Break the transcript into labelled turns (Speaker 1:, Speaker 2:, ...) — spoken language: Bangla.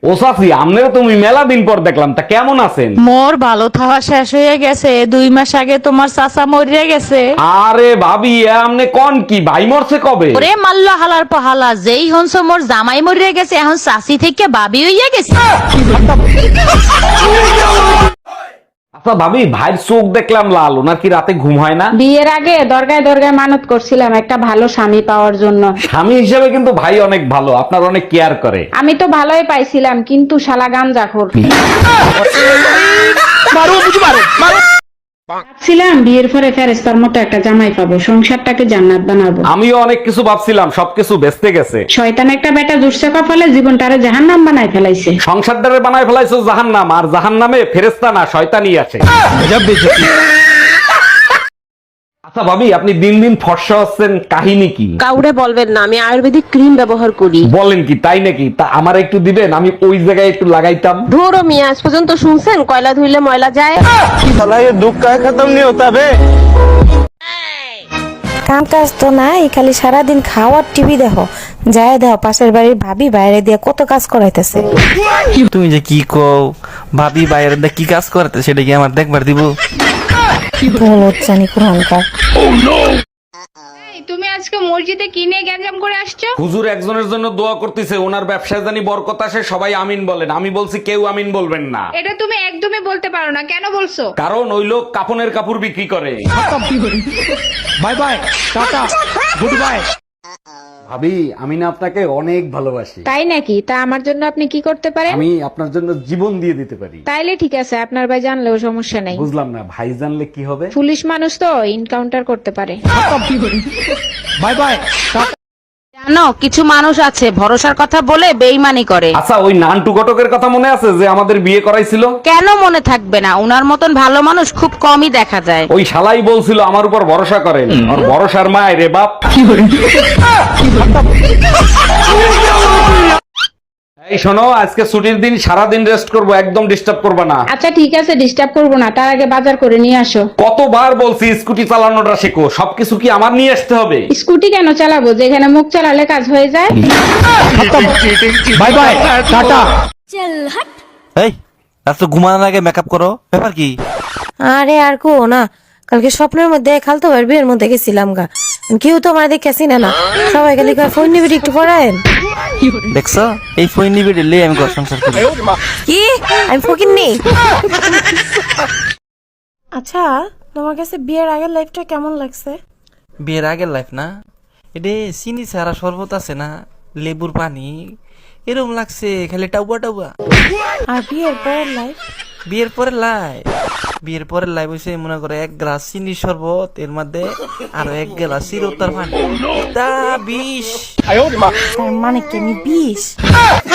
Speaker 1: ও চাচি, আমনেরও তুমি মেলা দিন পর দেখলাম, তা কেমন আছেন?
Speaker 2: মোর ভালো থাওয়া শেষ হয়ে গেছে, 2 মাস আগে তোমার চাচা মরিয়া গেছে।
Speaker 1: আরে ভাবি, আমনে কোন কি ভাই মরছে কবে?
Speaker 2: ওরে মাল্লা হালার পাহালা, যেই হনস মোর জামাই মরিয়া গেছে, এখন চাচি থেকে বাবি হইয়া গেছে।
Speaker 1: আচ্ছা ভাবি, ভাইয়ের চোখ দেখলাম লাল, ওনার কি রাতে ঘুম হয় না?
Speaker 3: বিয়ের আগে দরগায় দরগায় মানত করছিলাম একটা ভালো স্বামী পাওয়ার জন্য।
Speaker 1: স্বামী হিসেবে কিন্তু ভাই অনেক ভালো, আপনার অনেক কেয়ার করে।
Speaker 3: আমি তো ভালোই পাইছিলাম, কিন্তু শালা গাঞ্জাখোর। ভাবছিলাম বিয়ের পরে ফেরেস্তার মতো একটা জামাই পাবো, সংসারটাকে জান্নাত বানাবো।
Speaker 1: আমিও অনেক কিছু ভাবছিলাম, সবকিছু বেচতে গেছে।
Speaker 3: শয়তান একটা বেটা জুটছে কপালে, জীবনটারে জাহান্নাম বানায় ফেলাইছে।
Speaker 1: সংসারটারে বানায় ফেলাইছো জাহান্নাম, আর জাহান্নামে ফেরেশতা না শয়তানি আছে। আচ্ছা ভাবি, আপনি দিন দিন ফর্সা হচ্ছেন, কাহিনী কি?
Speaker 4: কাউরে বলবেন না, আমি আয়ুর্বেদিক ক্রিম ব্যবহার করি।
Speaker 1: বলেন কি, তাই নাকি? তা আমার একটু দিবেন, আমি ওই জায়গায় একটু লাগাইতাম।
Speaker 4: ধুরো মিয়া, আজ পর্যন্ত শুনছেন কয়লা ধুইলে ময়লা যায়?
Speaker 5: কাম কাজ তো নাই, খালি সারাদিন খাওয়ার টিভি দেখো। যায় দেখো পাশের বাড়ির ভাবি বাইরে দিয়ে কত কাজ করাইতেছে।
Speaker 6: তুমি যে কি কও, ভাবি বাইরে দিয়ে কি কাজ করতে সেটা কি আমার দেখবার দিব?
Speaker 5: বলত জানি কোরআনকার।
Speaker 3: তুমি আজকে মসজিদে কি নিয়ে গ্যাঞ্জাম করে আসছো?
Speaker 1: হুজুর একজনের জন্য দোয়া করতেছে, ওনার ব্যবসায় জানি বরকত আসে, সবাই আমিন বলেন। আমি বলছি কেউ আমিন বলবেন না।
Speaker 3: এটা তুমি একদমই বলতে পারো না, কেন বলছো?
Speaker 1: কারণ ওই লোক কাপনের কাপড় বিক্রি করে।
Speaker 7: Bye bye, tata, good bye.
Speaker 1: ভাবি, আমি না আপনাকে অনেক ভালোবাসি।
Speaker 3: তাই নাকি? তা আমার জন্য আপনি কি করতে পারেন?
Speaker 1: আমি আপনার জন্য জীবন দিয়ে দিতে পারি।
Speaker 3: তাইলে ঠিক আছে, আপনার ভাই জানলেও সমস্যা নাই।
Speaker 1: বুঝলাম না, ভাই জানলে কি হবে?
Speaker 3: পুলিশ মানুষ তো এনকাউন্টার করতে পারে।
Speaker 7: Bye bye, tata.
Speaker 2: জানো, কিছু মানুষ আছে ভরসার কথা বলে বেইমানি করে।
Speaker 1: আচ্ছা, ওই নান্টু ঘটকের কথা মনে আছে যে আমাদের বিয়ে করাইছিল?
Speaker 2: কেন মনে থাকবে না? উনার মতন ভালো মানুষ খুব কমই দেখা যায়।
Speaker 1: ওই শালাই বলছিল আমার উপর ভরসা করেন, আর ভরসার মায় রে বাপ। এই শোনো, আজকে ছুটির দিন, সারাদিন রেস্ট করব, একদম ডিস্টার্ব করবে না।
Speaker 3: আচ্ছা ঠিক আছে, ডিস্টার্ব করবো না, তার আগে বাজার করে নিয়ে আসো।
Speaker 1: কতবার বলছি স্কুটি চালানোটা শেখো, সবকিছু কি আমার নিয়ে আসতে হবে?
Speaker 3: স্কুটি কেন চালাবো, যেখানে মুখ চালালে কাজ হয়ে যায়?
Speaker 7: Bye bye, tata.
Speaker 6: এই রাত ঘুমানোর আগে মেকআপ করো, ব্যাপার কি?
Speaker 5: আরে আর কো না, কালকে স্বপ্নের মধ্যে খালতো ভাইয়ের বিয়ের মধ্যে গেছিলাম গা। কেউ তো আমার দেখেছি না, সবাই খালি ফোন নিবি একটু পড়ায়েন।
Speaker 6: দেখছো, এই ফোন নিবি লে আমি ঘর সংসার করি।
Speaker 5: কি আমি ফকির নেই? আচ্ছা, তোমার কাছে বিয়ের আগের লাইফটা কেমন লাগছে?
Speaker 6: বিয়ের আগের লাইফ না, এটা চিনি ছাড়া শরবত আছে না, লেবুর পানি, এরকম লাগছে, খালি টাউবা টাউবা।
Speaker 5: আর বিয়ের পরের লাইফ?
Speaker 6: বিয়ের পরের লাইফ হইছে মনে করে 1 গ্লাস চিনি শরবত, এর মধ্যে আরো 1 গ্লাস চিরতার পানি, তা 20।
Speaker 5: তার মানে কি আমি 20?